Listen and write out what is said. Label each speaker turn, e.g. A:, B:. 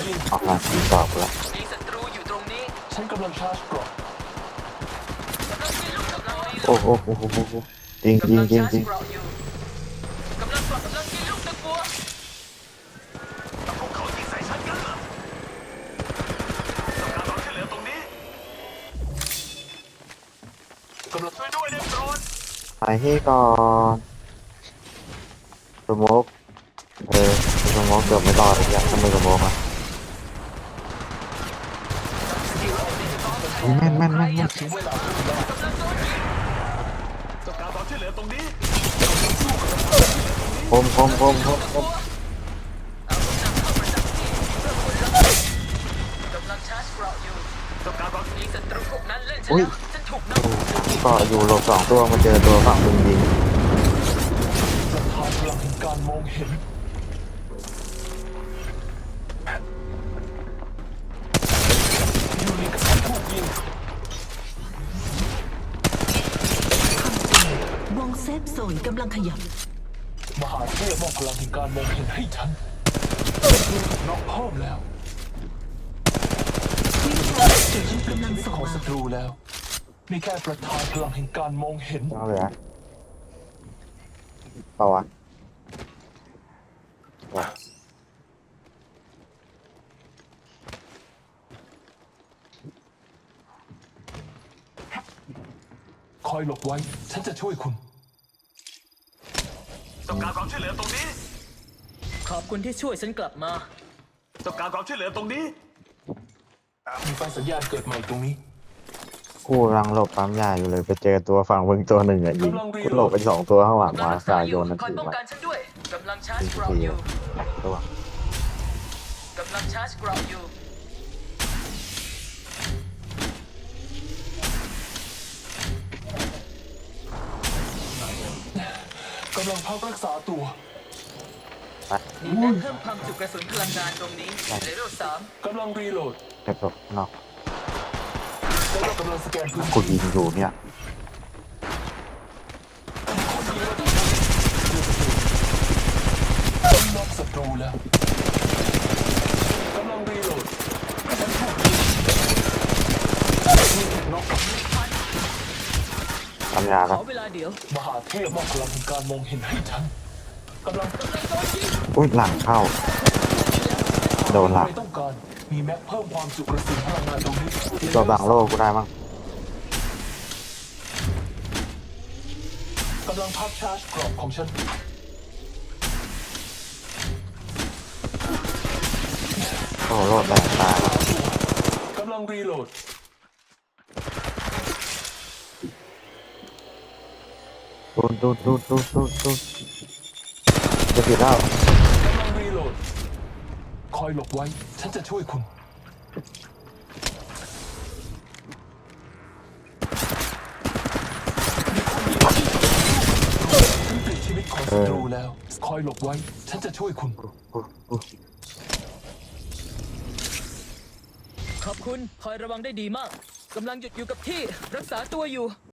A: ยิง
B: ออกมาทีตอบแล้ว
C: มีศัตรูอยู่ตรงนี้
A: ฉันกำลังชาร์จเกราะ
C: กำลังยิงลูกกำลังรีโหล
B: โอ้
C: ด
B: โหโอ้โหโอ้โหจริงจริง
C: กำลัง
B: จริงจริง
C: ชาร์จเกราะอยู่กำลังยิงลูกตะกัว
A: พวกเขายิงใส่ฉันกันเหรอต้องการความช่วยเหลือตรงนี้กำลังช่วยด้วยเรียบร้อย
B: ไปที่ก่อนสโมกสโมกเกือบไม่รอดเลยยังทำไมสโมกอ่ะแม่นแม่นแม่นแม่น
A: ถึงเวลาต้องการความช่วยเหลือตรงนี้
B: คมคมคมคมคม
C: เอากำลังเข้าประจำที่เพื่อคุณระเบิดกำลังชาร์จเกราะอยู่
A: ต้องการความ
C: มีศัตรูพวกนั้นเล่นฉันแล้วฉันถูกนำ
B: ก็อยู่หลบสองตัวมาเจอตัวฝั่งมึงยิง
A: ประธานพลังแห่งการมองเห็นอยู่ในการถูกยิง
D: วงเซฟโซนกำลังขยับ
A: มหาเทพมอบพลังแห่งการมองเห็นให้ฉันน็อกเพิ่มแล้วฉันเป็นชีวิตของศัตรูแล้วมีแค่ประธานพลังแห่งการมองเห็น
B: เอาเลยอะเปล่าวะ
A: คอยหลบไว้ฉันจะช่วยคุณต้องการความช่วยเหลือตรงนี้
C: ขอบคุณที่ช่วยฉันกลับมา
A: ต้องการความช่วยเหลือตรงนี้มีไฟสัญญาณเกิดใหม่ตรงนี้
B: กูกำลังหลบปั๊มยาอยู่เลยไปเจอตัวฝั่งมึงตัวหนึ่งอ่ะยิงกูหลบไปสองตัวข้างหลังมาสายโยนนั่น
C: คอย
B: ถือ
C: ป้อง
B: มา
C: กันฉันด้วยกำลังชาร์จ
B: ยิง
C: เกราะ
B: ที
C: อยู่
B: ตัว
C: กำลังชาร์จเกราะอยู่
A: กำลังพักรักษาตัว
C: มีแม็กเพิ่มความจุกระสุนพลังงานตรงนี้เลเวล3
A: กำลังรีโหลด
B: เก็บศพนอก
A: แล้วกำลังสแกนพื้น
B: กู
A: ที่
B: ยิงอยู่เนี่ย
A: น็อกศัตรูแล้วกำลังรีโหลดน็อก
B: ปั๊มยา
C: ข
B: แล้ว
C: อเวลาเดี๋ยว
A: มหาเทพมอบพลังแห่งการมองเห็นให้ฉันกำลัง
B: อุ้ยหลังเข้าโดนหลัง
A: ไม่ต้องการมีแม็กเพิ่มความจุกระสุนพลังงานตรงนี้
B: ตัวบังโลกูได้มั้ง
A: กำลังพักชาร์จกรอบของฉัน
B: โอ้โลดแรงตาย
A: กำลังรีโหลด
B: ดูจะผิดแล้ว
A: กำลังรีโหลดคอยหลบไว้ฉันจะช่วยคุณฉันปลิดชีวิตของศัตรูแล้วคอยหลบไว้ฉันจะช่วยคุณ
C: ขอบคุณคอยระวังได้ดีมากกำลังหยุดอยู่กับที่รักษาตัวอยู่